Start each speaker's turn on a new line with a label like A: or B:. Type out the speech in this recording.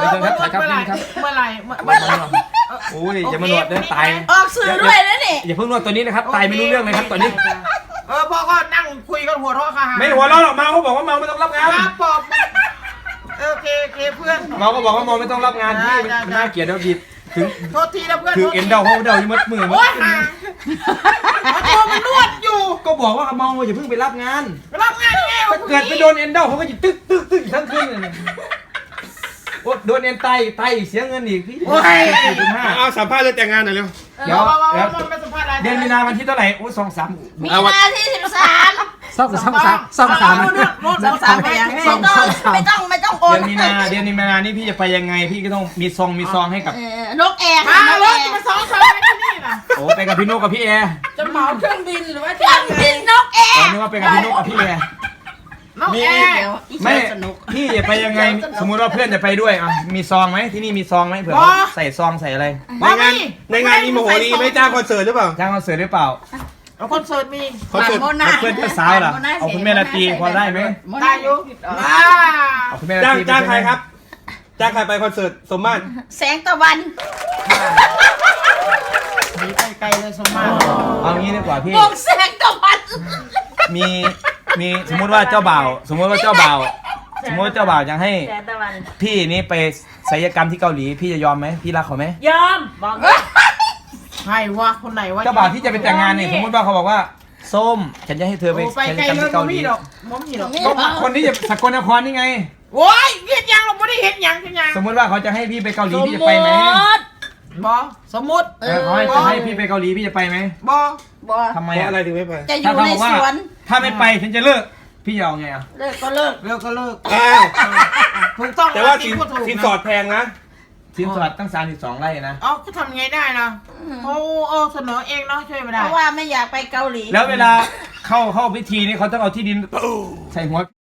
A: เชิญครับถ่ายครับนี่ครับ
B: เมื่อไหร่
A: โอ้ยอย่ามานวดเดินตาย
C: ออกสื่อด้วยนะนี่
A: อย่าเพิ่งนวดตัวนี้นะครับตายไม่รู้เรื่องเลยครับตอนนี้
B: พ่อก็นั่งคุยกันหัวเราะค่ะ
A: ไม่หัวเราะหรอกเมาเขาบอกว่าเมาไม่ต้องรับงาน
B: ครับปอบโอเคเพื่อน
A: เมาก็บอกว่าเมาไม่ต้องรับงานพี่มันน่าเกลียดแล้วบีบถึง
B: โทษทีนะเพื่อน
A: ถึงเอ็นเดาเขาเดาอยู่มัดมือ
B: โอ้ยห่าตัวมันนวดอยู่
A: ก็บอกว่าเมาอย่าเพิ่งไปรับงาน
B: รับงานยังไง
A: ถ้าเกิดไปโดนเอ็นเดาเขาก็จะตึ๊กทั้งคืนเลยโอ้โดนเอ็นไตอีกเสียเงินอีกพี่4.5
D: เอาสัมภาษณ์เรื่องแต่งงานหน่อยเร็ว
A: เดี๋ยว
B: ไม่สัมภาษณ์อะไร
A: เดือนมีนาวันที่เท่าไหร่โอ้2-3
C: มีนาที่13
E: ซ่อมสาม
C: ไม่ต้องโอน
A: เดือนมีนานี่พี่จะไปยังไงพี่ก็ต้องมีซองให้กับ
C: นกแอร์
B: มารถมา2 2ที่นี่นะ
A: โอ้ไปกับพี่นกกับพี่แอร์
B: จะเหมาเครื่องบินหรือว่า
C: เครื่องบินนกแอ
A: อ๋อ
C: ร์
A: นึกว่าไปกับพี่นกกับพี่แอร์
B: น้องแอร์
A: ไม่พี่จะไปยังไงสมมุติว่าเพื่อนจะไปด้วยอ่ะมีซองไหมที่นี่มีซองไหมเผื่อใส่ซองใส่อะไร
D: ในงานมีโมโหรีไม่จ้างคอนเสิร์ตหรือเปล่า
A: จ้างคอนเสิร์ตหรือเปล่า
B: เอาคอนเสิร์ตมี
D: คอนเสิร์ต
A: เอาเพื่อนเจ้าสาวล่ะเอาคุณแม่ราตรีพอได้ไหม
B: ได้อยู่
A: เอาคุณแม่รา
D: จ้าง
A: ตรี
D: จ้างใครครับจ้างใครไปคอนเสิร์ตสมมาตร
C: แสงตะวัน
B: มีไกลเลยสมมา
A: เอางี้ดีกว่าพี่
C: วงแสงตะวัน
A: มีสมมุติว่าเจ้าบ่าวสมมุติว่าเจ้าบ่าวจะให้
C: แสงตะวัน
A: พี่นี่ไปศัลยกรรมที่เกาหลีพี่จะยอมไหมพี่รักเขาไหม
C: ยอมบอก
B: ใครวะคนไหนวะ
A: เจ้าบ่าวที่จะไปแต่งงานเนี่ยสมมติว่าเขาบอกว่าส้มฉันจะให้เธอไป
B: ไป
A: ศัล
B: ไกล
A: ยกรรม
B: เลย
A: ที่เกาหลี
B: มีดอกมมีดอก
A: ก็คนที่จะสกลนครนี่ไง
B: โอ้ยเห็นยังเราไม่ได้เห็นยังเป็นยัง
A: สมมติว่าเขาจะให้พี่ไปเกาหลีพี่จะไปไหม
B: บอสมมติ
A: เขาจะให้พี่ไปเกาหลีพี่จะไปไหม
B: บอ
C: บอก
A: ทำไม
D: เพราะ
A: อ่ะ
D: อะไรถึงไม่ไป
C: จะอ
A: ถ้า
C: ยู่
A: เขา
C: ใน
A: บอกว่า
C: สวน
A: ถ้าไม่ไปฉันจะเลิกพี่จะเอาไงอ่ะ
C: เลิกก็เลิก
B: เลิกก็เลิก
D: อ้าว
B: ถูกต้อง
D: แต่ว่า
B: จริงพูดถูก
D: สินสอดแพงนะ
A: สินสอดตั้ง32 ไร่นะ
B: เอ้าก็ทำไงได้นะเขาเสนอเองเนาะช่วยไม่
C: เพ
B: ได้
C: ราะว่าไม่อยากไปเกาหลี
A: แล้วเวลาเข้าพิธีนี่เขาต้องเอาที่ดินใส่หัว